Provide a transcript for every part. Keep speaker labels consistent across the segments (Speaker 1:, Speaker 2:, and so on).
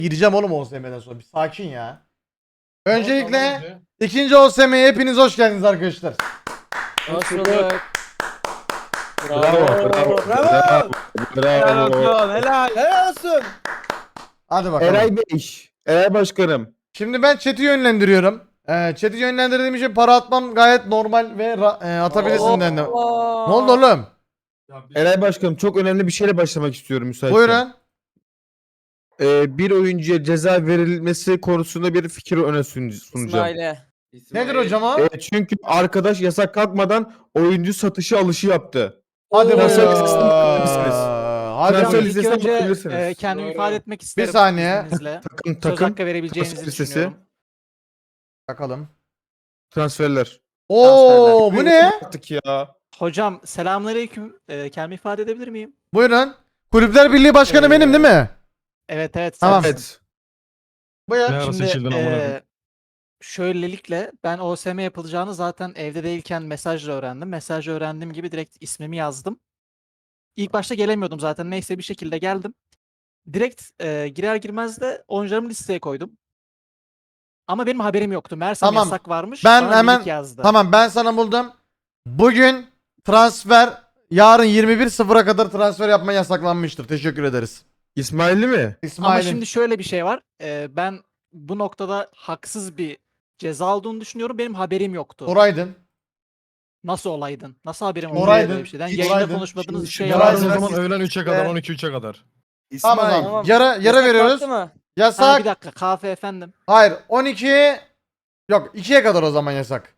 Speaker 1: Gireceğim oğlum OSM'den sonra. Bir sakin ya. Öncelikle
Speaker 2: Tamam,
Speaker 1: ikinci OSM'ye hepiniz hoş geldiniz arkadaşlar.
Speaker 3: Hoş bulduk.
Speaker 4: Bravo.
Speaker 3: Bravo. Helal
Speaker 4: Bravo.
Speaker 3: olsun. Helal olsun.
Speaker 1: Hadi bakalım.
Speaker 4: Eray Bey. Eray Başkanım.
Speaker 1: Şimdi ben chat'i yönlendiriyorum. Chat'i yönlendirdiğim için para atmam gayet normal ve atabilirsin dedim. Ne oldu oğlum?
Speaker 4: Eray Başkanım çok önemli bir şeyle başlamak istiyorum müsaitsen.
Speaker 1: Buyurun.
Speaker 4: Bir oyuncuya ceza verilmesi konusunda bir fikir öne sunacağım.
Speaker 3: İsmail'e.
Speaker 1: Nedir hocam o?
Speaker 4: Çünkü arkadaş yasak kalkmadan oyuncu satışı alışı yaptı.
Speaker 1: Hadi
Speaker 4: Transfer
Speaker 1: buyurun.
Speaker 4: listesine bakabilirsiniz.
Speaker 1: Hadi
Speaker 4: Transfer
Speaker 1: buyurun.
Speaker 5: İlk
Speaker 4: listesine
Speaker 5: önce
Speaker 4: bakabilirsiniz.
Speaker 5: kendimi
Speaker 2: Doğru.
Speaker 5: ifade etmek isterim.
Speaker 1: saniye.
Speaker 5: izninizle.
Speaker 4: Takım
Speaker 5: Söz
Speaker 4: takım
Speaker 5: hakkı verebileceğinizi
Speaker 4: transfer listesi.
Speaker 5: düşünüyorum.
Speaker 1: Bakalım.
Speaker 4: transferler.
Speaker 1: Oo bu ne?
Speaker 4: Artık ya.
Speaker 5: Hocam selamünaleyküm. Kendimi ifade edebilir miyim?
Speaker 1: Buyurun. Kulüpler Birliği Başkanı benim değil mi?
Speaker 5: Evet.
Speaker 1: Tamam.
Speaker 5: sensin.
Speaker 4: Evet.
Speaker 1: Buyur.
Speaker 2: Ne ara
Speaker 5: Şimdi
Speaker 2: seçildin amına koyayım?
Speaker 5: şöylelikle ben OSM yapılacağını zaten evde değilken mesajla öğrendim. Mesajla öğrendiğim gibi direkt ismimi yazdım. İlk başta gelemiyordum zaten. Neyse bir şekilde geldim. Direkt girer girmez de oyuncularımı listeye koydum. Ama benim haberim yoktu. Meğersem
Speaker 1: Tamam.
Speaker 5: yasak varmış.
Speaker 1: Ben
Speaker 5: Bana
Speaker 1: hemen-
Speaker 5: link yazdı.
Speaker 1: Tamam ben sana buldum. Bugün transfer yarın 21.00'a kadar transfer yapma yasaklanmıştır. Teşekkür ederiz.
Speaker 4: İsmail'i mi?
Speaker 5: Ama
Speaker 1: İsmail'in.
Speaker 5: şimdi şöyle bir şey var. Ben bu noktada haksız bir ceza olduğunu düşünüyorum. Benim haberim yoktu.
Speaker 1: Oraydın.
Speaker 5: Nasıl olaydın? Nasıl haberim oldu
Speaker 1: Oraydın.
Speaker 5: böyle bir şeyden?
Speaker 1: Hiç
Speaker 5: Yayında
Speaker 1: oraydın.
Speaker 5: konuşmadığınız bir
Speaker 4: Şimdi
Speaker 5: şey
Speaker 4: şu
Speaker 2: Yarın
Speaker 1: Yarın
Speaker 2: o
Speaker 5: yapmadınız.
Speaker 2: zaman öğlen 3'e kadar,
Speaker 1: Ve-
Speaker 2: 12-3'e kadar.
Speaker 1: Tamam o zaman.
Speaker 3: Tamam.
Speaker 1: Yara
Speaker 3: Yasak
Speaker 1: veriyoruz.
Speaker 3: kalktı mı?
Speaker 5: Bir
Speaker 1: Yasak.
Speaker 5: dakika kahve efendim.
Speaker 1: Hayır 12. Yok 2'ye kadar o zaman yasak.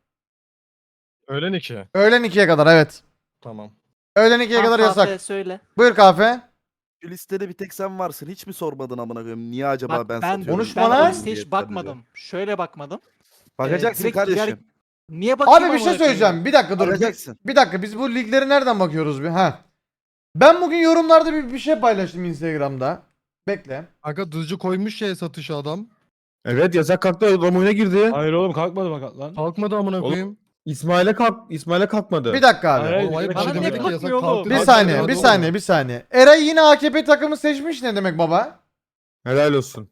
Speaker 2: Öğlen 2.
Speaker 1: Öğlen 2'ye kadar evet.
Speaker 2: Tamam.
Speaker 1: Öğlen 2'ye
Speaker 5: Tamam,
Speaker 1: kadar
Speaker 5: kahve
Speaker 1: yasak.
Speaker 5: söyle.
Speaker 1: Buyur kahve.
Speaker 6: Şu listede bir tek sen varsın. Hiç mi sormadın amına koyayım? Niye acaba
Speaker 5: Bak,
Speaker 6: ben
Speaker 5: ben,
Speaker 6: satıyorum?
Speaker 1: Konuşma
Speaker 5: ben
Speaker 1: lan.
Speaker 5: o listeye hiç bakmadım. Şöyle bakmadım.
Speaker 6: Bakacaksın
Speaker 5: direkt
Speaker 6: kardeşim.
Speaker 5: girer- Niye bakayım
Speaker 1: Abi bir şey
Speaker 5: amına koyayım?
Speaker 1: söyleyeceğim. Bir dakika dur.
Speaker 6: Bakacaksın.
Speaker 1: Bir dakika biz bu ligleri nereden bakıyoruz bir? Ha. Ben bugün yorumlarda bir şey paylaştım Instagram'da. Bekle.
Speaker 2: Aga dızcı koymuş şey satışa adam.
Speaker 4: Evet yasak kalktı adam oyuna girdi.
Speaker 7: Hayır oğlum kalkmadı bak lan.
Speaker 2: Kalkmadı amına
Speaker 4: Oğlum,
Speaker 2: koyayım.
Speaker 4: İsmail'e kalkmadı.
Speaker 1: Bir dakika abi.
Speaker 7: Hayır,
Speaker 2: Oğlum hayır bir
Speaker 5: bana
Speaker 2: şey
Speaker 5: niye
Speaker 2: demek ki yasak
Speaker 5: bakmıyor oğlum?
Speaker 2: kalktı.
Speaker 1: Bir
Speaker 2: Hadi
Speaker 1: saniye,
Speaker 2: hadi
Speaker 1: bir
Speaker 2: oğlum.
Speaker 1: saniye, bir saniye. Eray yine AKP takımı seçmiş ne demek baba?
Speaker 4: Helal olsun.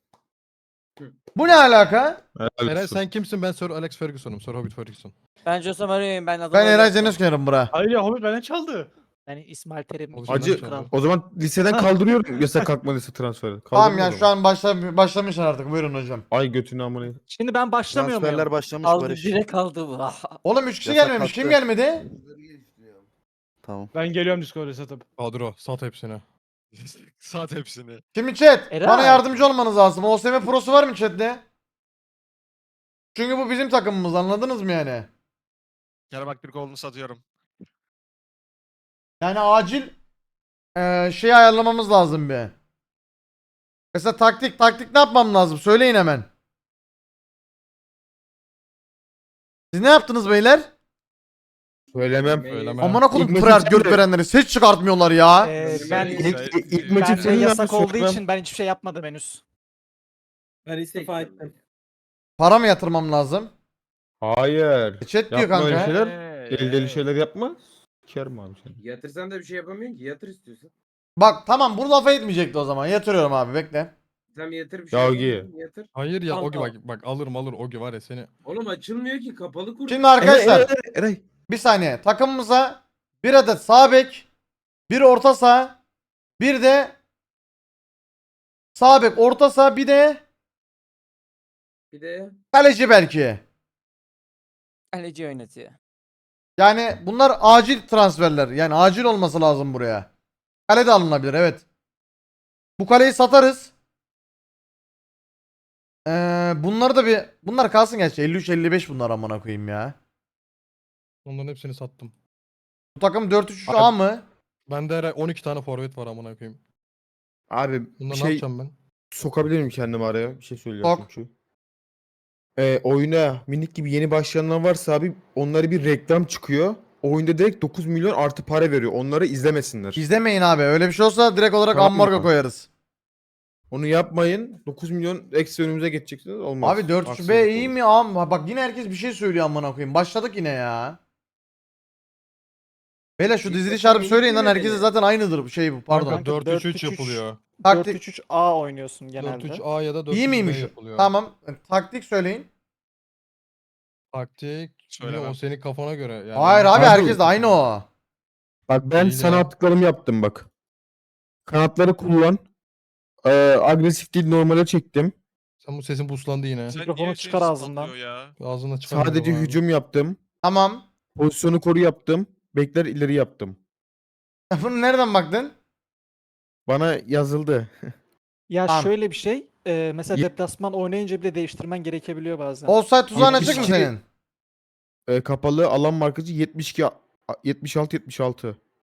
Speaker 1: Bu ne alaka?
Speaker 4: Helal
Speaker 2: Eray
Speaker 4: olsun.
Speaker 2: sen kimsin? Ben Sir Alex Ferguson'um. Sir Hobbit Ferguson.
Speaker 3: Ben Jose Mario'yum. Ben adamı
Speaker 1: Ben Eray
Speaker 3: öyle
Speaker 1: Zeynep Kenarım bura.
Speaker 7: Hayır ya Hobbit benden çaldı.
Speaker 5: Yani İsmail Terim.
Speaker 2: Hacı-
Speaker 5: ikinci
Speaker 4: Hacı
Speaker 5: kral.
Speaker 4: o zaman liseden kaldırıyorum yasak kalkmadıysa transferi.
Speaker 1: Tamam
Speaker 4: Kaldırın
Speaker 1: ya
Speaker 4: o
Speaker 1: şu
Speaker 4: zaman.
Speaker 1: an başlamışlar artık buyurun hocam.
Speaker 4: Ay götünü amına.
Speaker 5: Şimdi ben başlamıyor muyum?
Speaker 6: Transferler başlamış
Speaker 3: aldı.
Speaker 6: Barış.
Speaker 3: Direkt aldı bu.
Speaker 1: Oğlum 3 kişi
Speaker 6: Yasak
Speaker 1: gelmemiş. Kim
Speaker 6: kalktı.
Speaker 1: gelmedi?
Speaker 6: Tamam.
Speaker 7: Ben geliyorum Discord'a satıp.
Speaker 2: Kadro sat hepsini. Sat hepsini.
Speaker 1: Şimdi chat
Speaker 5: Eray.
Speaker 1: bana yardımcı olmanız lazım. OSM Pro'su var mı chatte? Çünkü bu bizim takımımız anladınız mı yani?
Speaker 2: Gel bak bir kolunu satıyorum.
Speaker 1: Yani acil şey ayarlamamız lazım bir. Mesela taktik ne yapmam lazım? Söyleyin hemen. Siz ne yaptınız beyler?
Speaker 4: Söylemem.
Speaker 2: Söyleme.
Speaker 1: Amına koydum
Speaker 4: İlk maçı
Speaker 1: Priart
Speaker 4: sen
Speaker 1: göt
Speaker 4: de-
Speaker 1: verenleri ses çıkartmıyorlar ya.
Speaker 5: Ben
Speaker 4: İlk maçı
Speaker 5: bende
Speaker 4: senin
Speaker 5: yasak
Speaker 4: yapmış,
Speaker 5: olduğu
Speaker 4: söylemem.
Speaker 5: için ben hiçbir şey yapmadım henüz.
Speaker 3: Ben istifa ettim.
Speaker 1: Para mı yatırmam lazım?
Speaker 4: Hayır.
Speaker 1: Chat diyor
Speaker 4: Yapma öyle
Speaker 1: kanka.
Speaker 4: şeyler. Deli şeyler yapma. Sikerim abi seni.
Speaker 8: Yatırsan da bir şey yapamıyorsun ki. Yatır istiyorsan.
Speaker 1: Bak tamam bunu lafa etmeyecekti o zaman. Yatırıyorum abi bekle.
Speaker 8: Sen yatır bir şey
Speaker 4: Ya
Speaker 8: yapamıyorsun, Yatır.
Speaker 2: Hayır ya
Speaker 3: Tamam,
Speaker 2: Ogi bak alırım alır Ogi var ya seni.
Speaker 8: Oğlum açılmıyor ki. Kapalı kur.
Speaker 1: Şimdi arkadaşlar
Speaker 4: Eray.
Speaker 1: bir saniye. Takımımıza bir adet sağ bek, bir orta saha, bir de sağ bek, orta saha, bir de
Speaker 8: Bir de
Speaker 1: kaleci belki.
Speaker 3: Kaleci oynatıyor.
Speaker 1: Yani bunlar acil transferler. Yani acil olması lazım buraya. Kale de alınabilir evet. Bu kaleyi satarız. Bunları da bunlar kalsın gerçi 53-55 bunlar amına koyayım ya.
Speaker 2: Onların hepsini sattım.
Speaker 1: Bu takım 4-3-3-A mı?
Speaker 2: Bende Eray 12 tane forvet var amına koyayım.
Speaker 4: Abi
Speaker 2: Bunları
Speaker 4: bir
Speaker 2: ne
Speaker 4: şey
Speaker 2: yapacağım ben?
Speaker 4: sokabilir miyim kendimi araya? Bir şey söyleyeceğim
Speaker 1: Sok.
Speaker 4: çünkü. Oyuna minik gibi yeni başlayanlar varsa abi onlara bir reklam çıkıyor. Oyunda direkt 9 milyon artı para veriyor. Onları izlemesinler.
Speaker 1: İzlemeyin abi. Öyle bir şey olsa direkt olarak
Speaker 4: Tamam
Speaker 1: ambargo
Speaker 4: mı?
Speaker 1: koyarız.
Speaker 4: Onu yapmayın. 9 milyon eksi önümüze geçeceksiniz. Olmaz.
Speaker 1: Abi 4-3-B
Speaker 4: Haksızlık
Speaker 1: iyi
Speaker 4: olur.
Speaker 1: mi? Ama bak yine herkes bir şey söylüyor amına koyayım. Başladık yine ya. Beyler şu dizili şarkı söyleyin lan herkese zaten aynıdır bu şey bu pardon.
Speaker 2: Kanka 4-3-3
Speaker 5: 4-3-3
Speaker 2: yapılıyor.
Speaker 1: Taktik
Speaker 5: 4-3-3-A oynuyorsun genelde.
Speaker 2: 4-3-A ya da 4-3-B
Speaker 1: iyi miymiş?
Speaker 2: yapılıyor.
Speaker 1: Tamam. Taktik söyleyin.
Speaker 2: Taktik. Niye o senin kafana göre. Yani
Speaker 1: Hayır abi
Speaker 4: Abi-
Speaker 1: herkes de aynı o.
Speaker 4: Bak ben
Speaker 2: Değil
Speaker 4: sana
Speaker 2: ya.
Speaker 4: attıklarımı yaptım bak. Kanatları kullan. Agresif değil normale çektim.
Speaker 2: Sen bu sesin buslandı yine.
Speaker 5: Mikrofonu çıkar ağzından.
Speaker 2: Ağzına çıkar.
Speaker 4: Sadece
Speaker 2: mikrofonu abi.
Speaker 4: hücum yaptım.
Speaker 1: Tamam.
Speaker 4: Pozisyonu koru yaptım. Bekler ileri yaptım.
Speaker 1: Bunu nereden baktın?
Speaker 4: Bana yazıldı.
Speaker 5: Ya
Speaker 1: Tamam.
Speaker 5: şöyle bir şey. Mesela
Speaker 4: Ye-
Speaker 5: deplasman oynayınca bile değiştirmen gerekebiliyor bazen.
Speaker 1: Offside tuzağın açık mı
Speaker 4: 72
Speaker 1: senin?
Speaker 4: Kapalı alan markacı 72 76 76.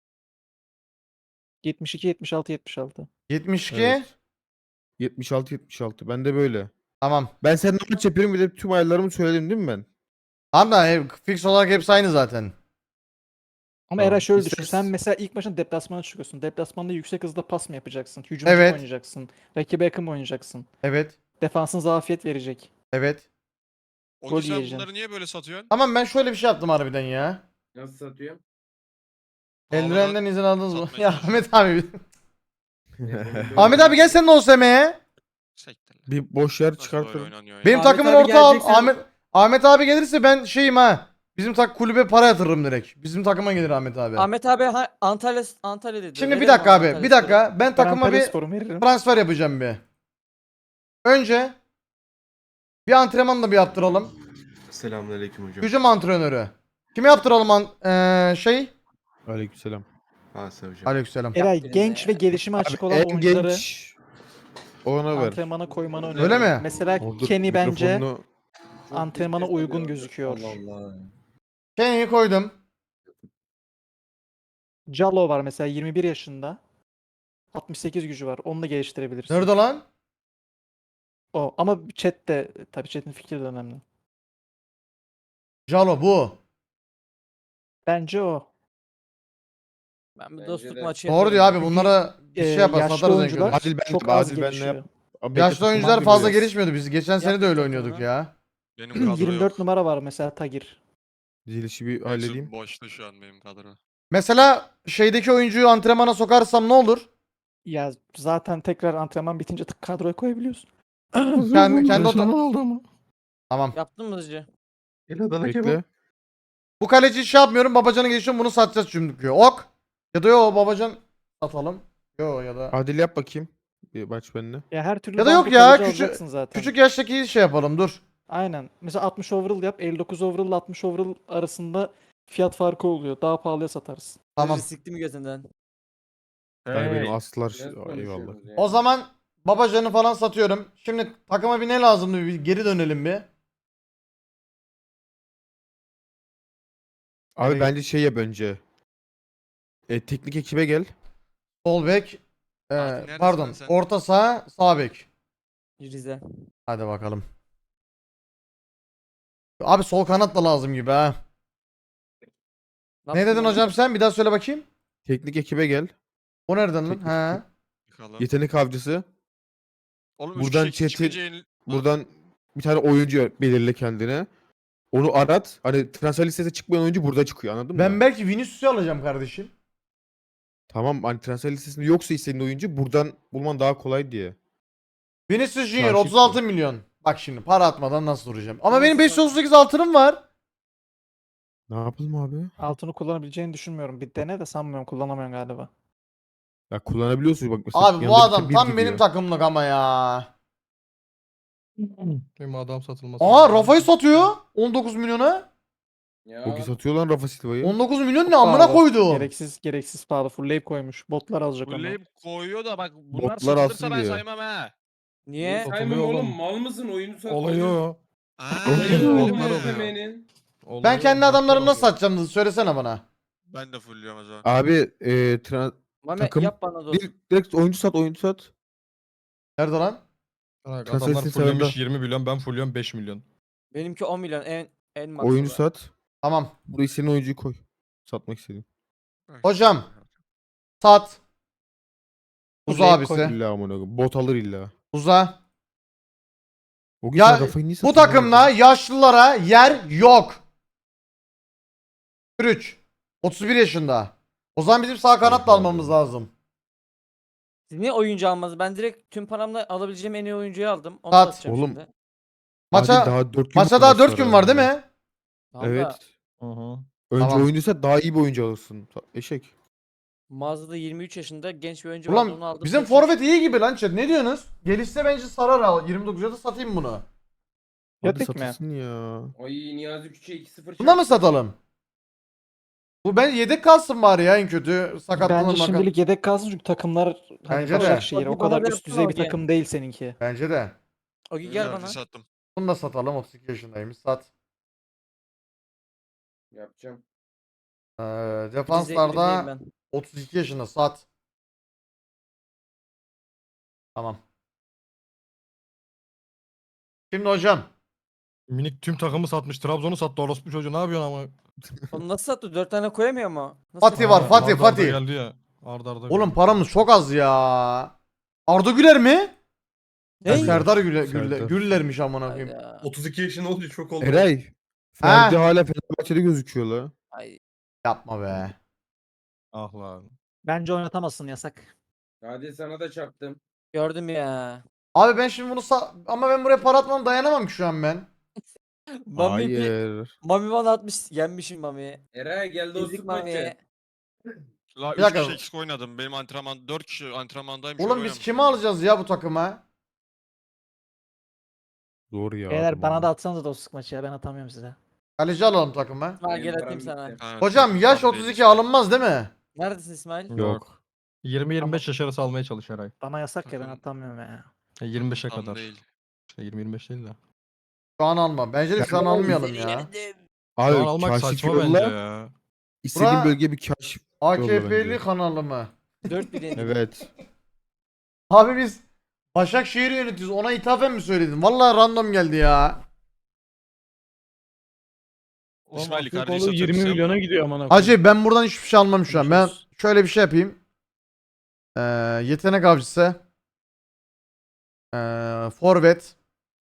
Speaker 5: 72 76 76.
Speaker 1: 72.
Speaker 4: Evet. 76 76. Ben de böyle.
Speaker 1: Tamam.
Speaker 4: Ben seninle maç yapıyorum bir de tüm ayarlarımı söyledim değil mi ben?
Speaker 1: Tamam da fix olarak hepsi aynı zaten.
Speaker 5: Ama
Speaker 4: Tamam.
Speaker 5: Eray şöyle düşün.
Speaker 4: İstersen-
Speaker 5: Sen mesela ilk maçın deplasmana çıkıyorsun. Deplasmanda yüksek hızda pas mı yapacaksın? Hücumcu mu
Speaker 1: Evet.
Speaker 5: oynayacaksın? Rakibe yakın mı oynayacaksın?
Speaker 1: Evet.
Speaker 5: Defansın zafiyet verecek.
Speaker 1: Evet.
Speaker 5: Gol yiyeceksin.
Speaker 2: niye böyle satıyorsun?
Speaker 1: Tamam ben şöyle bir şey yaptım harbiden ya.
Speaker 8: Nasıl satıyor?
Speaker 1: Eldivenden izin aldınız mı?
Speaker 2: satmaya
Speaker 1: Ya
Speaker 2: çalışıyorum.
Speaker 1: Ahmet abi. Ahmet abi gel sen de OSM'ye.
Speaker 4: Bir boş yer çıkartırım.
Speaker 1: Benim
Speaker 3: Ahmet
Speaker 1: takımın
Speaker 3: abi
Speaker 1: orta al.
Speaker 3: geleceksen-
Speaker 1: Ahmet abi gelirse ben şeyim ha. Bizim kulübe para yatırırım direkt. Bizim takıma gelir Ahmet abi.
Speaker 3: Ahmet abi Antalya dedi.
Speaker 1: Şimdi bir
Speaker 3: Verelim
Speaker 1: dakika abi.
Speaker 3: Antalya
Speaker 1: Bir
Speaker 3: Spor'a.
Speaker 1: dakika. Ben
Speaker 5: Ben
Speaker 1: takıma
Speaker 5: Antalya
Speaker 1: bir
Speaker 5: Spor'u veririm.
Speaker 1: transfer yapacağım bir. Önce bir antrenman da bir yaptıralım.
Speaker 9: Selamünaleyküm hocam.
Speaker 1: Hücum antrenörü. Kime yaptıralım şey?
Speaker 4: Aleykümselam.
Speaker 9: Hasa hocam.
Speaker 1: Aleykümselam.
Speaker 5: Eray
Speaker 3: Yaptınız
Speaker 5: genç
Speaker 3: ya.
Speaker 5: ve gelişime açık olan
Speaker 4: En
Speaker 5: oyuncuları
Speaker 4: genç ona ver.
Speaker 5: antrenmana koymanı
Speaker 1: Öyle
Speaker 5: öneririm.
Speaker 1: mi?
Speaker 5: Mesela
Speaker 4: Orada
Speaker 5: Kenny bence
Speaker 4: mikrofonunu-
Speaker 5: antrenmana uygun gözüküyor.
Speaker 1: Kenny'yi koydum.
Speaker 5: Jallo var mesela 21 yaşında. 68 gücü var. Onu da geliştirebilirsin.
Speaker 1: Nerede lan?
Speaker 5: O. Ama chat de tabii chat'in fikri de önemli.
Speaker 1: Jalo bu.
Speaker 5: Bence o.
Speaker 3: Ben bir
Speaker 8: Bence
Speaker 3: dostluk
Speaker 8: de.
Speaker 3: maçı
Speaker 1: Doğru diyor abi.
Speaker 5: Çünkü,
Speaker 1: Bunlara bir şey yapar.
Speaker 5: yaşlı
Speaker 1: Satarız en
Speaker 5: oyuncular
Speaker 1: kötü.
Speaker 4: Adil ben-
Speaker 5: çok az
Speaker 4: Adil benle
Speaker 5: gelişiyor.
Speaker 4: yap. Abi bekle,
Speaker 1: Yaşlı
Speaker 4: tutmam
Speaker 1: oyuncular
Speaker 4: gibi
Speaker 1: fazla
Speaker 4: biraz.
Speaker 1: gelişmiyordu. Biz geçen sene de öyle
Speaker 3: Yaptık
Speaker 1: oynuyorduk
Speaker 3: onu.
Speaker 1: ya.
Speaker 2: Benim kadro
Speaker 5: 24
Speaker 2: yok.
Speaker 5: numara var mesela Tagir.
Speaker 4: Dizilişi bir halledeyim.
Speaker 2: Boşta şu an benim kadro.
Speaker 1: Mesela şeydeki oyuncuyu antrenmana sokarsam ne olur?
Speaker 5: Ya zaten tekrar antrenman bitince tık kadroya koyabiliyorsun.
Speaker 1: Kendi
Speaker 2: oldu ama.
Speaker 1: Tamam.
Speaker 3: Yaptın mı hızlıca?
Speaker 9: El Adana
Speaker 4: Bekle.
Speaker 9: kebap.
Speaker 1: Bu kaleci şey yapmıyorum. Babacan'a geçiyorum. Bunu satacağız çünkü. Ok. Ya da yo Babacan satalım. Yo ya da.
Speaker 4: Adil yap bakayım. Bir maç benimle.
Speaker 5: Ya her türlü
Speaker 1: Ya da yok
Speaker 5: banko
Speaker 1: ya,
Speaker 5: kaleci
Speaker 1: küçük-
Speaker 5: alacaksın zaten.
Speaker 1: Küçük yaştaki şey yapalım dur.
Speaker 5: Aynen. Mesela 60 overall yap. 59 overall ile 60 overall arasında fiyat farkı oluyor. Daha pahalıya satarsın.
Speaker 1: Tamam.
Speaker 3: Hızlı Sikti mi gözünden?
Speaker 4: Yani benim aslar
Speaker 8: Biraz
Speaker 4: eyvallah.
Speaker 8: konuşuyoruz ya.
Speaker 1: O zaman Babacan'ı falan satıyorum. Şimdi takıma bir ne lazımdı? Bir geri dönelim bir.
Speaker 4: Abi
Speaker 1: Nereye-
Speaker 4: bence şey yap önce. Teknik ekibe gel.
Speaker 1: Sol bek.
Speaker 2: neredesin
Speaker 1: Pardon.
Speaker 2: sen?
Speaker 1: Orta saha, sağ bek.
Speaker 3: Rize.
Speaker 1: Hadi bakalım. Abi sol kanat da lazım gibi ha. Ne dedin hocam sen? Bir daha söyle bakayım.
Speaker 4: Teknik ekibe gel.
Speaker 1: O nereden lan?
Speaker 4: Teknik
Speaker 1: He.
Speaker 4: Yetenek avcısı.
Speaker 2: Oğlum
Speaker 4: Buradan Buradan bir tane oyuncu belirle kendine. Onu arat. Hani transfer listesine çıkmayan oyuncu burada çıkıyor anladın
Speaker 1: Ben
Speaker 4: mı?
Speaker 1: belki Vinicius'u alacağım kardeşim.
Speaker 4: Tamam hani transfer listesinde yoksa istediğin oyuncu buradan bulman daha kolay diye.
Speaker 1: Vinicius Junior
Speaker 4: Karşı
Speaker 1: 36
Speaker 4: çıkıyor.
Speaker 1: milyon. Bak şimdi para atmadan nasıl duracağım? Ama
Speaker 3: Nasıl
Speaker 1: benim
Speaker 3: bak-
Speaker 1: 538 altınım var.
Speaker 4: Ne yapalım abi?
Speaker 5: Altını kullanabileceğini düşünmüyorum. Bir dene de sanmıyorum. Kullanamıyorsun galiba.
Speaker 4: Ya kullanabiliyorsun bak mesela.
Speaker 1: Abi bu
Speaker 4: yanında
Speaker 1: adam
Speaker 4: bir
Speaker 1: tam
Speaker 4: gidiyor.
Speaker 1: benim takımlık ama ya.
Speaker 2: Benim adam satılması.
Speaker 1: Aa Rafa'yı satıyor 19 milyona.
Speaker 8: Ya.
Speaker 4: O ki satıyor lan Rafa Silva'yı.
Speaker 1: 19 milyon ne
Speaker 5: Çok
Speaker 1: amına
Speaker 5: pahalı.
Speaker 1: koydu.
Speaker 5: Gereksiz pahalı. Fullleyip koymuş. Botlar alacak onu.
Speaker 2: Bulleyip koyuyor da bak bunlar
Speaker 4: Botlar
Speaker 2: satılırsa
Speaker 4: alsın
Speaker 2: ben
Speaker 4: diyor.
Speaker 2: saymam ha.
Speaker 3: Niye?
Speaker 2: Satılıyor
Speaker 8: Saymam oğlum
Speaker 2: oğlum.
Speaker 8: mal mısın oyunu sat.
Speaker 2: Olayı o.
Speaker 8: Oyunu
Speaker 2: Oğlum,
Speaker 8: oğlum
Speaker 2: var oluyor.
Speaker 8: SM'nin.
Speaker 1: Ben kendi adamlarımı nasıl satacağım hızlı söylesene bana.
Speaker 2: Ben de fullüyorum o zaman.
Speaker 4: Abi
Speaker 3: Mame
Speaker 4: takım-
Speaker 3: yap bana dostluk.
Speaker 4: direkt oyuncu sat.
Speaker 1: Nerede lan?
Speaker 2: Bak,
Speaker 4: Transfer
Speaker 2: adamlar
Speaker 4: listesi
Speaker 2: fulllemiş
Speaker 4: sağında.
Speaker 2: 20 milyon ben fullüyorum 5 milyon.
Speaker 3: Benimki 10 milyon en max.
Speaker 4: Oyuncu sat.
Speaker 1: Tamam.
Speaker 4: Buraya senin oyuncuyu koy. Satmak istedim.
Speaker 1: Hocam. Sat. Uza
Speaker 5: Fullleyip koy.
Speaker 1: abisi.
Speaker 4: İlla amına koyayım. Bot alır illa.
Speaker 1: Uza.
Speaker 4: O gün
Speaker 1: Ya,
Speaker 4: sen Rafa'yı niye
Speaker 1: Bu
Speaker 4: satıyorsun
Speaker 1: takımda
Speaker 4: abi?
Speaker 1: yaşlılara yer yok. 3. 31 yaşında. O zaman bizim sağ kanat da
Speaker 4: Oha.
Speaker 1: almamız lazım.
Speaker 3: Siz niye oyuncu almadınız? Ben direkt tüm paramla alabileceğim en iyi oyuncuyu aldım. Onu
Speaker 1: Sat.
Speaker 3: satacağım
Speaker 4: Oğlum,
Speaker 3: şimdi.
Speaker 1: Maça
Speaker 4: daha 4 gün
Speaker 1: maça daha 4 gün var değil mi?
Speaker 3: Valla
Speaker 4: Evet.
Speaker 2: Hı hı.
Speaker 4: Önce
Speaker 1: Tamam.
Speaker 4: oyuncuysa daha iyi bir oyuncu alırsın. Eşek.
Speaker 3: mağazada 23 yaşında genç bir oyuncu vardı, onu
Speaker 1: Ulan
Speaker 3: aldım.
Speaker 1: bizim
Speaker 3: 83.
Speaker 1: forvet iyi gibi lan chat. Ne diyorsunuz? Gelişse bence sarar al. 29'a da satayım bunu.
Speaker 4: Hadi
Speaker 5: Yedik mi?
Speaker 4: satılsın ya.
Speaker 8: Ay Niyazi Küçük'e 2-0
Speaker 1: Buna mı
Speaker 8: çarptı.
Speaker 1: satalım? Bu ben yedek kalsın bari ya en kötü. Sakatlanır
Speaker 5: Bence şimdilik yedek kalsın çünkü takımlar hani
Speaker 1: Bence de.
Speaker 5: Başakşehir o
Speaker 3: Hadi bana
Speaker 5: kadar
Speaker 3: da
Speaker 5: üst düzey bir
Speaker 3: yapsana
Speaker 5: takım değil seninki.
Speaker 1: Bence de.
Speaker 3: Ogi gel bana.
Speaker 2: Sattım.
Speaker 1: Bunu da satalım. 32 yaşındaymış. Sat.
Speaker 8: Yapacağım.
Speaker 1: Defanslarda
Speaker 3: Rize'yim ben.
Speaker 1: 32 yaşında. Sat. Tamam. Şimdi hocam.
Speaker 2: Minik tüm takımı satmış. Trabzon'u sattı orospu çocuğu. Ne yapıyorsun ama?
Speaker 3: Onu nasıl sattı? 4 tane koyamıyor mu? Nasıl
Speaker 1: Fatih var,
Speaker 3: sattı?
Speaker 1: Fatih,
Speaker 2: Arda arda
Speaker 1: Fatih.
Speaker 2: geldi ya. Arda arda
Speaker 1: Oğlum
Speaker 2: geldi.
Speaker 1: paramız çok az ya. Arda Güler mi?
Speaker 3: Ne?
Speaker 1: Serdar Güler,
Speaker 4: Serdar.
Speaker 1: Güller'miş amına koyayım.
Speaker 3: Hayda.
Speaker 9: 32 yaşında olunca çok oldu.
Speaker 4: Eray. Ferdi hala Fenerbahçe'de gözüküyor la.
Speaker 3: Ay.
Speaker 1: Yapma be.
Speaker 2: Ah lan.
Speaker 5: Bence oynatamazsın, yasak.
Speaker 8: Hadi sana da çarptım.
Speaker 3: Gördüm ya.
Speaker 1: Abi ben şimdi bunu ama ben buraya para atmam dayanamam ki şu an ben.
Speaker 3: Mami bir
Speaker 4: Hayır.
Speaker 3: Mami bana atmış. Yenmişim Mami'yi.
Speaker 8: Eray gel
Speaker 3: Ezik
Speaker 8: dostluk maçı.
Speaker 3: Mami'ye.
Speaker 2: La
Speaker 1: Bir
Speaker 2: 3
Speaker 1: dakika.
Speaker 2: kişi eksik oynadım. Benim antrenman 4 kişi antrenmandayım.
Speaker 1: Oğlum biz kimi alacağız ya bu takıma?
Speaker 4: Zor ya.
Speaker 5: Beyler bana da atsanız da dostluk maçı ya, ben atamıyorum size.
Speaker 1: Kaleci alalım takıma.
Speaker 3: İsmail
Speaker 8: Benim
Speaker 3: gel
Speaker 8: param
Speaker 3: atayım sana.
Speaker 8: bitti.
Speaker 1: Hocam yaş 32 alınmaz değil mi?
Speaker 3: Neredesin İsmail?
Speaker 2: Yok. 20-25 yaş arası almaya çalış her ay.
Speaker 5: Bana yasak ya, ben
Speaker 2: Takım.
Speaker 5: atamıyorum ya.
Speaker 2: 25'e
Speaker 10: Tam
Speaker 2: kadar.
Speaker 10: değil.
Speaker 2: İşte 20-25 değil de.
Speaker 1: Şu an alma. Bence de şu an almayalım ya.
Speaker 4: Abi
Speaker 2: Şu an almak
Speaker 4: kaşif
Speaker 2: saçma
Speaker 4: yolla.
Speaker 2: bence ya.
Speaker 4: İstediğin
Speaker 1: Bura-
Speaker 4: bölgeye bir kaşif.
Speaker 1: AKP'li
Speaker 4: bence.
Speaker 1: kanalı mı?
Speaker 3: 4 bilindik.
Speaker 4: Evet.
Speaker 1: Abi biz Başakşehir'i yönetiyoruz. Ona ithafen mi söyledin? Vallahi random geldi ya.
Speaker 10: İsmail
Speaker 7: Türk
Speaker 10: kardeşi
Speaker 7: oğlu 20
Speaker 10: satıyorsun.
Speaker 7: milyona gidiyor amına koyayım.
Speaker 1: Hacı ben buradan hiçbir şey almam şu an. Ben
Speaker 5: Görüşürüz.
Speaker 1: şöyle bir şey yapayım. Yetenek avcısı. Forvet.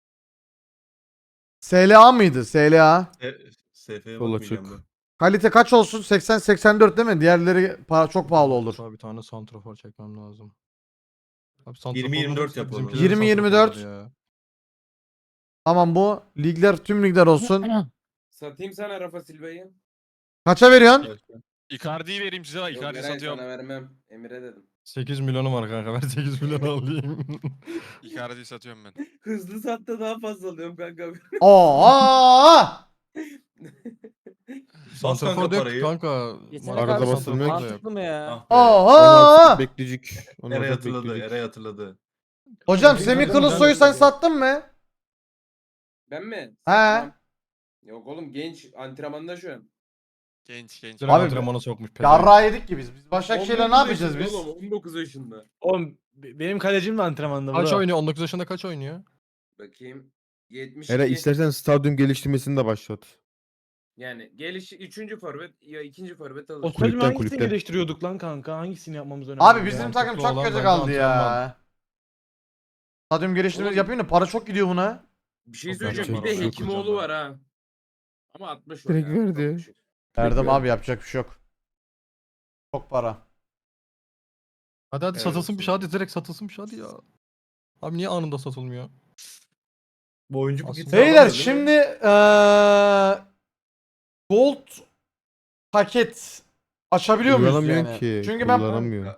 Speaker 1: SLA mıydı? SLA.
Speaker 9: SF'ye
Speaker 4: Sol
Speaker 9: bakmayacağım
Speaker 4: açık.
Speaker 9: ben.
Speaker 1: Kalite kaç olsun? 80-84 değil mi? Diğerleri çok pahalı olur.
Speaker 2: Abi bir tane santrafor çekmem lazım. Abi santrafor
Speaker 9: 20-24 yapalım.
Speaker 1: 20-24. Tamam bu. Ligler tüm ligler olsun.
Speaker 8: Satayım sana Rafa Silva'yı.
Speaker 1: Kaça veriyorsun?
Speaker 10: Icardi'yi vereyim size.
Speaker 8: Yok
Speaker 10: Icardi
Speaker 8: Eray
Speaker 10: satıyorum.
Speaker 8: sana vermem. Emir'e dedim.
Speaker 2: 8 milyonum var kanka. Ben 8 milyon alayım.
Speaker 10: Icardi'yi satıyorum ben.
Speaker 8: Hızlı satta daha fazla alıyorum kanka.
Speaker 1: Oo!
Speaker 9: Bas
Speaker 2: Santrafor
Speaker 9: kanka
Speaker 2: da yok
Speaker 9: parayı.
Speaker 2: kanka.
Speaker 3: Yetenek
Speaker 2: Arada
Speaker 4: Arada
Speaker 3: avcısı
Speaker 4: basılmıyor
Speaker 2: basılmıyor
Speaker 4: ki.
Speaker 2: da yok.
Speaker 3: mantıklı mı ya?
Speaker 1: Oo!
Speaker 4: Bekleyecek. Ondan
Speaker 9: Eray
Speaker 4: sonra
Speaker 9: hatırladı.
Speaker 4: bekleyecek.
Speaker 9: Eray hatırladı.
Speaker 1: Hocam
Speaker 7: Benim
Speaker 1: Semih
Speaker 7: adam
Speaker 1: Kılıçsoy'u
Speaker 7: güzel
Speaker 1: sen sattın mı?
Speaker 8: Ben mi?
Speaker 1: He.
Speaker 8: Satmam. Yok oğlum genç antrenmanda şu an.
Speaker 10: Genç.
Speaker 2: Direkt
Speaker 1: Abi,
Speaker 2: antrenmana sokmuş. pezevenk.
Speaker 1: Yarrağı yedik ki biz. Biz Başakşehir'le ne
Speaker 8: 19
Speaker 1: yapacağız
Speaker 8: yaşında
Speaker 1: biz?
Speaker 8: Oğlum 19 yaşında.
Speaker 7: Oğlum benim kalecim de antrenmanda
Speaker 2: Kaç
Speaker 7: bro.
Speaker 2: oynuyor? 19 yaşında kaç oynuyor?
Speaker 8: Bakayım. 72.
Speaker 4: Eray istersen stadyum geliştirmesini de başlat.
Speaker 8: Yani geliş 3. forvet ya 2. forvet alır.
Speaker 7: O stadyumu
Speaker 4: Kulüpten,
Speaker 7: hangisini
Speaker 4: kulüpten.
Speaker 7: geliştiriyorduk lan kanka? Hangisini yapmamız önemli?
Speaker 1: Abi
Speaker 7: ya?
Speaker 1: bizim
Speaker 2: Mantıklı
Speaker 1: takım çok
Speaker 2: olan
Speaker 1: kötü
Speaker 2: bence
Speaker 1: kaldı ya.
Speaker 2: antrenman.
Speaker 1: Stadyum geliştirmesi
Speaker 8: Oğlum.
Speaker 1: yapayım da para çok gidiyor buna.
Speaker 8: Bir şey
Speaker 2: Çok
Speaker 8: söyleyeceğim.
Speaker 2: yapacak
Speaker 8: Bir
Speaker 2: bir
Speaker 8: de
Speaker 2: şey yok
Speaker 8: Hekimoğlu
Speaker 2: hocam
Speaker 8: var ha. Ama 60 o
Speaker 4: Direkt
Speaker 8: ya.
Speaker 4: verdi.
Speaker 8: Çok düşük.
Speaker 1: Verdim
Speaker 4: Peki.
Speaker 1: abi yapacak bir şey yok. Çok para.
Speaker 2: Hadi
Speaker 9: Evet,
Speaker 2: satılsın bir şey.
Speaker 9: olsun.
Speaker 2: Hadi direkt satılsın bir şey hadi ya. Abi niye anında satılmıyor?
Speaker 9: Bu oyuncu bu
Speaker 2: Aslında-
Speaker 9: gitse
Speaker 1: Beyler
Speaker 9: alamıyor, değil mi?
Speaker 1: şimdi Gold paket açabiliyor muyuz
Speaker 4: Kullanamıyorsun
Speaker 1: yani?
Speaker 4: ki.
Speaker 1: Çünkü ben
Speaker 4: Kullanamıyor.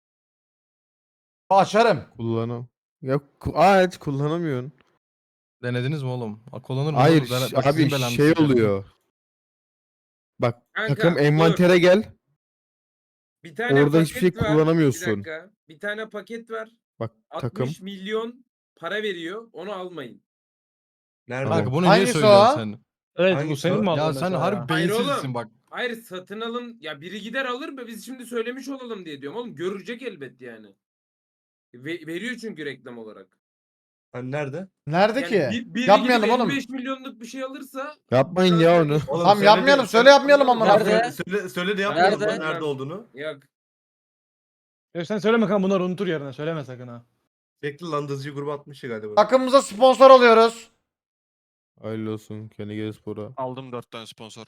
Speaker 1: açarım.
Speaker 4: Ya aç kullanamıyorsun.
Speaker 2: Denediniz mi oğlum? Kullanır mı?
Speaker 4: Hayır
Speaker 2: Bak, sizin
Speaker 4: abi
Speaker 2: belanızı
Speaker 4: şey
Speaker 2: sikerim.
Speaker 4: oluyor. Bak
Speaker 8: Kanka,
Speaker 4: takım
Speaker 8: dur.
Speaker 4: envantere gel.
Speaker 8: Bir tane
Speaker 4: Orada hiçbir şey
Speaker 8: paket var.
Speaker 4: kullanamıyorsun.
Speaker 8: Bir dakika. Bir tane paket var.
Speaker 4: Bak
Speaker 8: 60
Speaker 4: takım.
Speaker 8: milyon para veriyor. Onu almayın.
Speaker 9: Nerede?
Speaker 2: Kanka bunu
Speaker 1: Hangisi
Speaker 2: niye söylüyorsun
Speaker 1: o?
Speaker 2: sen?
Speaker 7: Evet bu
Speaker 9: Hangisi
Speaker 7: senin
Speaker 9: o?
Speaker 7: mi
Speaker 2: Ya
Speaker 7: aldın
Speaker 2: sen
Speaker 7: mesela
Speaker 2: harbi
Speaker 7: ya?
Speaker 8: Hayır
Speaker 2: beyinsizsin
Speaker 8: oğlum.
Speaker 2: bak.
Speaker 8: Hayır satın alın. Ya biri gider alır mı? Biz şimdi söylemiş olalım diye diyorum. Oğlum görecek elbet yani. Veriyor çünkü reklam olarak.
Speaker 9: Hani nerede?
Speaker 1: Nerede
Speaker 8: Yani
Speaker 1: ki?
Speaker 8: biri
Speaker 1: Yapmayalım
Speaker 8: gidip
Speaker 1: oğlum.
Speaker 8: 55 milyonluk bir şey alırsa
Speaker 4: Yapmayın ya onu.
Speaker 9: Oğlum
Speaker 1: Tamam
Speaker 9: söyle
Speaker 1: yapmayalım.
Speaker 9: de-
Speaker 1: Söyle yapmayalım amına
Speaker 3: Nerede?
Speaker 1: koyayım.
Speaker 9: Söyle de yapmayalım
Speaker 3: Nerede?
Speaker 9: lan nerede olduğunu.
Speaker 8: yok.
Speaker 7: Ya sen söyleme kanka, bunları unutur yarına, söyleme sakın ha.
Speaker 9: Bekle lan Dızcı grubu atmış ya galiba.
Speaker 1: Takımımıza sponsor alıyoruz.
Speaker 4: Hayırlı olsun. Kendi gel spora.
Speaker 10: Aldım 4 tane sponsor.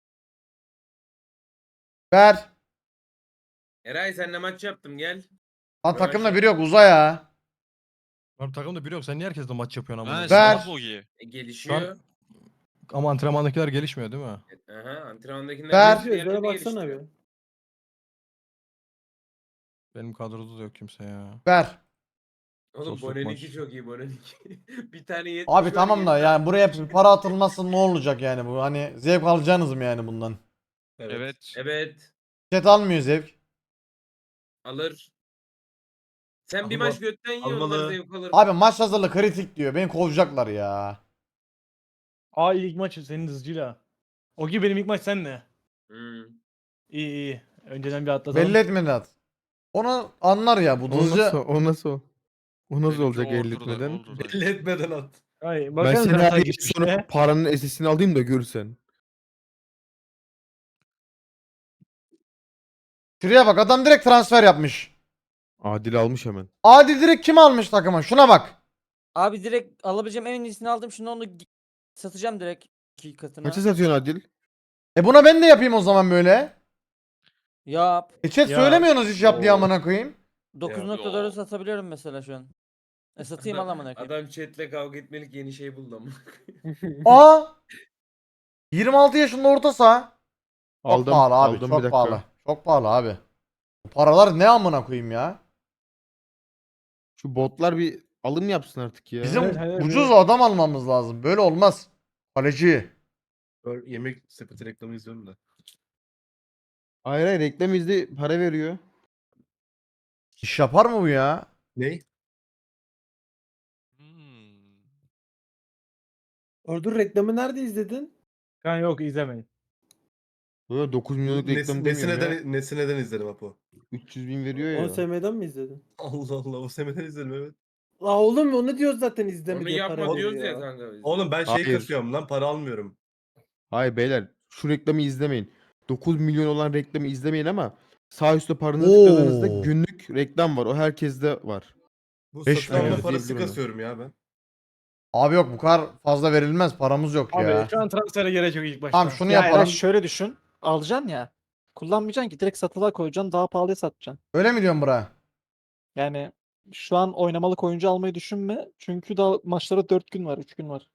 Speaker 1: Ver.
Speaker 8: Eray senle maç yaptım gel.
Speaker 1: Lan takımda biri yok uza ya.
Speaker 2: Abi takımda biri yok. Sen niye herkesle maç yapıyorsun ama?
Speaker 10: Ha,
Speaker 1: Ver.
Speaker 10: salak Bogi.
Speaker 8: Gelişiyor.
Speaker 2: Ama antrenmandakiler gelişmiyor değil mi?
Speaker 8: Aha, antrenmandakiler
Speaker 1: Ver.
Speaker 8: gelişiyor, diğerleri gelişiyor.
Speaker 2: Benim kadroda da yok kimse ya.
Speaker 1: Ver.
Speaker 8: Oğlum
Speaker 2: Sosyal
Speaker 8: Boneniki
Speaker 2: maç.
Speaker 8: çok iyi Boneniki. Bir tane 70
Speaker 1: Abi
Speaker 8: var,
Speaker 1: tamam da
Speaker 8: 70
Speaker 1: yani buraya bir para atılması ne olacak yani bu? Hani zevk alacaksınız mı yani bundan?
Speaker 10: Evet.
Speaker 8: Evet.
Speaker 1: Chat almıyor zevk.
Speaker 8: Alır. Sen bir
Speaker 9: Alma-
Speaker 8: maç götten yiyor onlar
Speaker 9: almalı.
Speaker 8: zevk alır.
Speaker 1: Abi maç hazırlığı kritik diyor. Beni kovacaklar ya.
Speaker 7: Aa ilk maç senin hızcıyla. O gibi benim ilk maç senle.
Speaker 8: Hmm.
Speaker 7: İyi iyi. Önceden bir atlatalım.
Speaker 1: Belli etmedi at. Onu anlar ya bu
Speaker 4: O nasıl,
Speaker 1: hızlıca.
Speaker 4: o nasıl? O nasıl
Speaker 10: Benimki
Speaker 4: olacak
Speaker 10: order'da,
Speaker 4: elletmeden?
Speaker 10: order'da.
Speaker 9: Belli etmeden at.
Speaker 7: Hayır,
Speaker 4: Ben
Speaker 7: bakalım
Speaker 4: seni
Speaker 7: zaten
Speaker 4: arayıp sonra
Speaker 7: geçmişte.
Speaker 4: paranın SS'ini alayım da görsen.
Speaker 1: Şuraya bak adam direkt transfer yapmış.
Speaker 4: Adil almış hemen.
Speaker 1: Adil direkt kim almış takıma? Şuna bak.
Speaker 3: Abi direkt alabileceğim en iyisini aldım. Şimdi onu satacağım direkt 2 katına.
Speaker 4: Kaça satıyorsun Adil?
Speaker 1: Buna ben de yapayım o zaman böyle.
Speaker 3: Yap.
Speaker 1: Chat
Speaker 7: Ya.
Speaker 1: söylemiyorsunuz hiç yap diye
Speaker 9: Oo.
Speaker 1: amına koyayım.
Speaker 3: 9.4'ü satabiliyorum mesela şu an. Satayım al amına koyayım.
Speaker 8: Adam chatle kavga etmelik yeni şey buldu ama.
Speaker 1: Aa! 26 yaşında orta saha. Çok
Speaker 4: Aldım,
Speaker 1: pahalı abi,
Speaker 4: aldım, bir
Speaker 1: çok
Speaker 4: dakika.
Speaker 1: pahalı. Çok pahalı abi. Bu paralar ne amına koyayım ya?
Speaker 4: Şu botlar bir alım yapsın artık ya.
Speaker 1: Bizim
Speaker 7: Evet, evet,
Speaker 1: ucuz
Speaker 7: evet.
Speaker 1: adam almamız lazım. Böyle olmaz. Kaleci.
Speaker 9: Böyle yemek sepeti reklamı izliyorum da.
Speaker 4: Hayır hayır, reklam izli para veriyor.
Speaker 1: İş yapar mı bu ya?
Speaker 9: Ney?
Speaker 10: Hmm.
Speaker 11: Ordur reklamı nerede izledin?
Speaker 7: Kan yok izlemeyin.
Speaker 4: Böyle 9 milyonluk reklam demiyorum ya.
Speaker 9: Nesineden izledim Apo.
Speaker 4: 300 bin veriyor ya.
Speaker 11: OSM'den mi izledin?
Speaker 9: Allah Allah o semeden izledim evet.
Speaker 11: La oğlum onu diyoruz zaten izleme
Speaker 8: Onu
Speaker 11: diye
Speaker 8: yapma
Speaker 11: para
Speaker 8: diyoruz
Speaker 11: veriyor
Speaker 8: ya kanka biz.
Speaker 9: Oğlum ben şey
Speaker 4: Hayır.
Speaker 9: kasıyorum lan para almıyorum.
Speaker 4: Hayır beyler, şu reklamı izlemeyin. 9 milyon olan reklamı izlemeyin ama sağ üstte paranızı
Speaker 1: Oo.
Speaker 4: tıkladığınızda günlük reklam var. O herkeste var.
Speaker 9: Bu
Speaker 1: Beş
Speaker 9: satın alma
Speaker 1: milyon.
Speaker 9: parası
Speaker 4: Diyebilirim ben.
Speaker 9: kasıyorum ya ben.
Speaker 1: Abi yok bu kadar fazla verilmez. Paramız yok
Speaker 7: Abi
Speaker 1: ya.
Speaker 7: şu an transfere gerek yok ilk başta.
Speaker 1: Tamam şunu
Speaker 5: Ya Eray
Speaker 1: yapalım.
Speaker 5: şöyle düşün. Alacaksın ya. Kullanmayacaksın ki direkt satılığa koyacaksın daha pahalıya satacaksın.
Speaker 1: Öyle mi diyorsun bura?
Speaker 5: Yani şu an oynamalık oyuncu almayı düşünme. Çünkü daha maçlara 4 gün var, 3 gün var.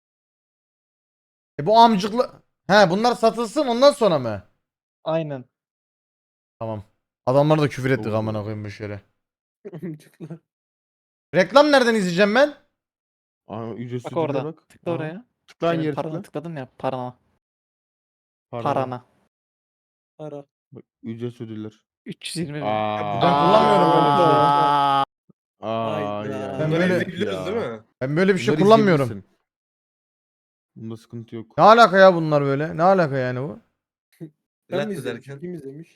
Speaker 1: Bu amcıklı... He bunlar satılsın ondan sonra mı?
Speaker 5: Aynen.
Speaker 1: Tamam. Adamlara da küfür ettik
Speaker 4: Oo.
Speaker 1: amına koyayım bu şere. Reklam nereden izleyeceğim ben?
Speaker 4: Aa, ücretsiz
Speaker 5: Bak
Speaker 4: ödüle
Speaker 5: orada.
Speaker 4: bak.
Speaker 5: Tıkla
Speaker 4: Aa,
Speaker 5: oraya.
Speaker 4: Tıkla aynı
Speaker 5: Senin
Speaker 4: yere
Speaker 5: parana
Speaker 4: tıkla.
Speaker 5: tıkladın ya. Parana.
Speaker 4: Parana.
Speaker 5: Parana.
Speaker 11: Para.
Speaker 4: Bak, ücretsiz ödüller.
Speaker 5: 320 bin.
Speaker 4: Aa.
Speaker 1: Ben kullanmıyorum böyle bir şey.
Speaker 4: Aa
Speaker 11: Hayda.
Speaker 4: ya.
Speaker 1: Ben
Speaker 9: Bunları
Speaker 1: böyle-
Speaker 9: izleyebiliyoruz değil mi?
Speaker 1: Ben böyle bir şey
Speaker 4: Bunları
Speaker 1: kullanmıyorum.
Speaker 4: izleyebilirsin. Bunda sıkıntı yok.
Speaker 1: Ne alaka ya bunlar böyle? Ne alaka yani bu?
Speaker 11: Ben
Speaker 9: Lat
Speaker 11: mi izledim?
Speaker 9: ederken.
Speaker 11: Kim izlemiş?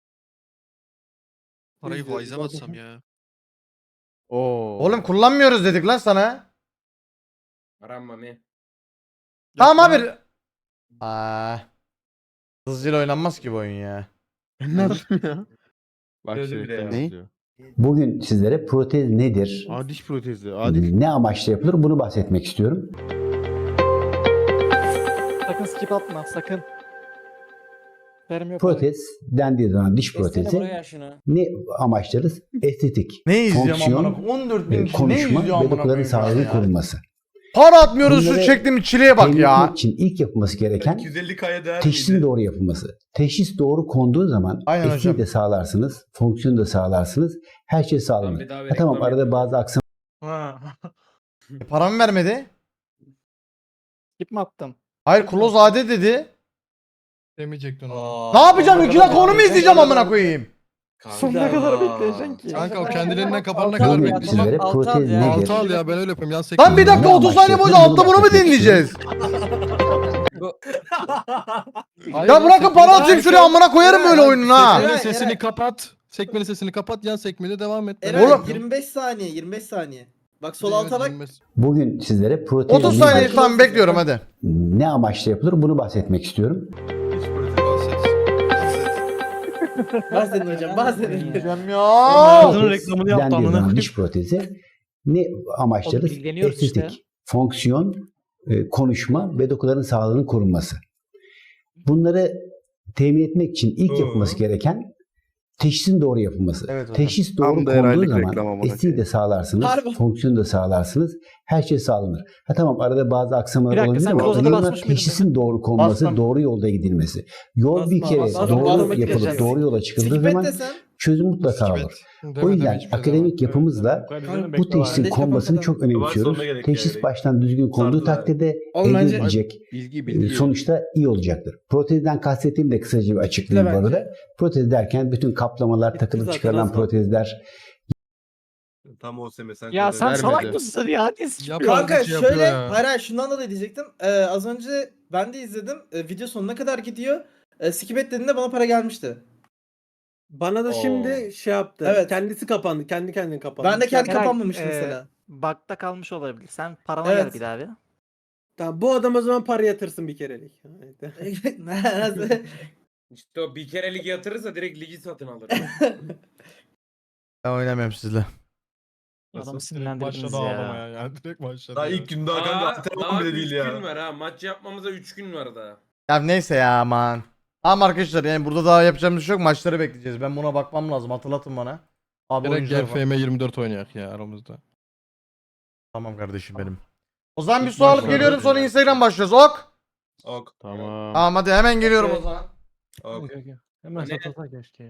Speaker 10: Parayı
Speaker 11: İzledim,
Speaker 10: faize mi atsam ya?
Speaker 4: Oo.
Speaker 1: Oğlum kullanmıyoruz dedik lan sana.
Speaker 8: Aranma mı?
Speaker 1: Tamam
Speaker 10: Yapma.
Speaker 1: abi. Aa. Hızlıca oynanmaz ki bu oyun ya.
Speaker 4: Ben ne yaptım ya? Bak
Speaker 9: Öyle
Speaker 4: şey
Speaker 9: bile
Speaker 4: reklam
Speaker 9: ya.
Speaker 4: yazıyor.
Speaker 12: Bugün sizlere protez nedir,
Speaker 4: Aa, diş protezi. Adil.
Speaker 12: ne amaçla yapılır bunu bahsetmek istiyorum.
Speaker 5: Sakın skip atma sakın. Vermiyor para.
Speaker 12: Protez dendiği zaman diş
Speaker 3: Destene
Speaker 12: protezi
Speaker 3: buraya şunu.
Speaker 12: ne amaçlarız? Estetik,
Speaker 1: Ne izliyorum
Speaker 12: Fonksiyon,
Speaker 1: amına koyayım? 14 bin kişi ne
Speaker 12: konuşma
Speaker 1: izliyor
Speaker 12: ve
Speaker 1: amına
Speaker 12: dokuların
Speaker 1: koyayım şu an
Speaker 12: sağlığının
Speaker 1: ya?
Speaker 12: korunması.
Speaker 1: Para atmıyoruz şu
Speaker 12: Bunları
Speaker 1: çektiğimiz çileye bak
Speaker 12: Temin
Speaker 1: ya.
Speaker 12: etmek için ilk yapılması gereken
Speaker 9: 250K'ya değer
Speaker 12: teşhisin
Speaker 9: miydi?
Speaker 12: doğru yapılması. Teşhis doğru konduğu zaman
Speaker 1: Aynen
Speaker 12: estetiği
Speaker 1: hocam.
Speaker 12: de sağlarsınız, fonksiyonu da sağlarsınız, her şey sağlanır.
Speaker 8: bedava
Speaker 12: Ha, tamam
Speaker 8: reklam
Speaker 12: arada
Speaker 8: yapıyorum.
Speaker 12: bazı aksamalar
Speaker 7: Ha.
Speaker 1: Paramı vermedi.
Speaker 5: Skip mi attın?
Speaker 1: Hayır close AD dedi.
Speaker 2: Demeyecektin onu.
Speaker 1: Ne yapacağım? 2 dakika onu mu izleyeceğim amına koyayım?
Speaker 5: Sonuna kadar bekleyeceksin ki.
Speaker 2: Kanka o kendiliğinden kapanana
Speaker 3: Altı
Speaker 2: kadar
Speaker 3: al ya,
Speaker 12: Bugün
Speaker 2: bekleyeceğim.
Speaker 12: sizlere
Speaker 3: altı al
Speaker 12: protez
Speaker 3: ya.
Speaker 12: nedir?
Speaker 2: Altı al ya ben öyle yapıyorum. Yan sekme.
Speaker 1: Lan bir dakika
Speaker 12: Ne
Speaker 1: 30 saniye boyunca
Speaker 12: amaçla
Speaker 1: altta bunu mu
Speaker 12: yapılır?
Speaker 1: dinleyeceğiz?
Speaker 2: Hayır
Speaker 1: Ya
Speaker 2: lan,
Speaker 1: bırakın
Speaker 2: sekmeli-
Speaker 1: para atayım şuraya amına koyarım böyle oyununu ha.
Speaker 2: Sekmenin sesini kapat. Sekmenin sesini kapat. Yan sekmede devam et.
Speaker 1: Eray, Oğlum.
Speaker 11: 25 saniye 25 saniye. Bak
Speaker 2: sol alta bak.
Speaker 12: Bugün sizlere protez
Speaker 1: 30
Speaker 12: nedir,
Speaker 1: saniye tamam bekliyorum hadi.
Speaker 12: ne amaçla yapılır bunu bahsetmek istiyorum.
Speaker 11: Bahsedin hocam bahsedin.
Speaker 1: Diyeceğim ya.
Speaker 7: Ağzının
Speaker 12: Protez
Speaker 7: reklamını yaptı
Speaker 12: dendiği
Speaker 7: amına
Speaker 12: zaman
Speaker 7: koyayım.
Speaker 12: diş protezi ne amaçlarız?
Speaker 5: Oğlum ilgileniyoruz
Speaker 12: Estetik,
Speaker 5: işte.
Speaker 12: fonksiyon, konuşma ve dokuların sağlığının korunması. Bunları temin etmek için ilk yapılması gereken teşhisin doğru yapılması.
Speaker 1: Evet hocam.
Speaker 12: Teşhis doğru
Speaker 6: Tam da
Speaker 12: konduğu
Speaker 6: herhalde
Speaker 12: zaman
Speaker 6: reklam amına
Speaker 12: estiği de sağlarsınız,
Speaker 11: Harbi.
Speaker 12: fonksiyonu da sağlarsınız. Her şey sağlanır. Ha tamam arada bazı aksamalar
Speaker 5: Bir dakika,
Speaker 12: olabilir
Speaker 5: sen
Speaker 12: ama
Speaker 5: Close'a da
Speaker 12: önemli olan
Speaker 5: basmış mıydın
Speaker 12: teşhisin doğru konması,
Speaker 1: Bastım.
Speaker 12: doğru yolda gidilmesi. Yol bir
Speaker 11: Basma,
Speaker 12: kere
Speaker 11: basma,
Speaker 12: doğru
Speaker 11: basma,
Speaker 12: yapılıp
Speaker 11: basma.
Speaker 12: doğru yola çıkıldığı
Speaker 11: Skip et
Speaker 12: zaman
Speaker 11: desen.
Speaker 12: çözüm mutlaka olur. O yüzden akademik yapımızla bu teşhisin
Speaker 11: Bence
Speaker 12: konmasını
Speaker 11: kafam
Speaker 12: çok önemsiyoruz.
Speaker 9: sonuna gerek
Speaker 12: Teşhis
Speaker 9: yani.
Speaker 12: baştan düzgün konduğu
Speaker 9: Sardılar.
Speaker 12: takdirde
Speaker 11: Oğlum
Speaker 12: elde
Speaker 11: bence-
Speaker 12: edilecek
Speaker 4: Bilgi
Speaker 12: sonuçta iyi olacaktır. Protezden kastettiğimi de kısaca bir açıklayayım bu
Speaker 11: bence.
Speaker 12: arada. Protez derken bütün kaplamalar, takılıp
Speaker 11: zaten
Speaker 12: çıkarılan
Speaker 11: az var.
Speaker 12: protezler,
Speaker 9: Tam o seme sen
Speaker 5: Ya sen
Speaker 4: vermedi.
Speaker 5: salak mısın ya? Ne sıçıyor?
Speaker 2: Yapar
Speaker 11: Kanka
Speaker 2: bir şey yapıyor
Speaker 11: şöyle
Speaker 2: ya.
Speaker 11: hayır şundan dolayı diyecektim. Az önce ben de izledim. Video sonuna kadar gidiyor. Skip et dediğinde bana para gelmişti.
Speaker 9: Bana da şimdi
Speaker 11: şey yaptı. Evet.
Speaker 9: Kendisi kapandı. Kendi kendine kapandı.
Speaker 11: Ben de kendi
Speaker 5: Eray,
Speaker 11: kapanmamıştı mesela.
Speaker 5: Bug'da kalmış olabilir. Sen parana
Speaker 11: Evet.
Speaker 5: gel bir daha bir.
Speaker 9: Tamam, bu adam o zaman para yatırsın bir kerelik.
Speaker 11: Nasıl?
Speaker 8: İşte o bir kere ligi yatırırsa direkt ligi satın alır.
Speaker 1: Ben oynamıyorum sizle.
Speaker 5: Adamı
Speaker 2: Direkt
Speaker 5: sinirlendirdiniz
Speaker 2: başladı
Speaker 5: ya.
Speaker 2: ağlamaya yani. Direkt başladı.
Speaker 9: Daha
Speaker 2: ya.
Speaker 9: ilk gün daha kanka
Speaker 8: Daha
Speaker 9: antrenman bile
Speaker 8: 3
Speaker 9: değil
Speaker 8: gün
Speaker 9: ya.
Speaker 8: var ha. Maç yapmamıza 3 gün var daha.
Speaker 1: Ya neyse ya aman. Ama arkadaşlar yani burada daha yapacağımız bir şey yok. Maçları bekleyeceğiz. Ben buna bakmam lazım. Hatırlatın bana. Abi
Speaker 2: Direkt
Speaker 1: oyuncular
Speaker 2: gel
Speaker 1: falan.
Speaker 2: FM 24 oynayak ya aramızda.
Speaker 1: Tamam kardeşim benim. O zaman bir
Speaker 2: İlk
Speaker 1: su alıp
Speaker 2: maçlarda
Speaker 1: geliyorum sonra
Speaker 2: yani.
Speaker 1: Instagram başlıyoruz. Ok.
Speaker 9: Ok.
Speaker 10: Tamam.
Speaker 1: Tamam hadi hemen geliyorum o
Speaker 11: Okey.
Speaker 1: zaman.
Speaker 9: Ok.
Speaker 7: Hemen
Speaker 8: Ne?
Speaker 7: satılsa keşke.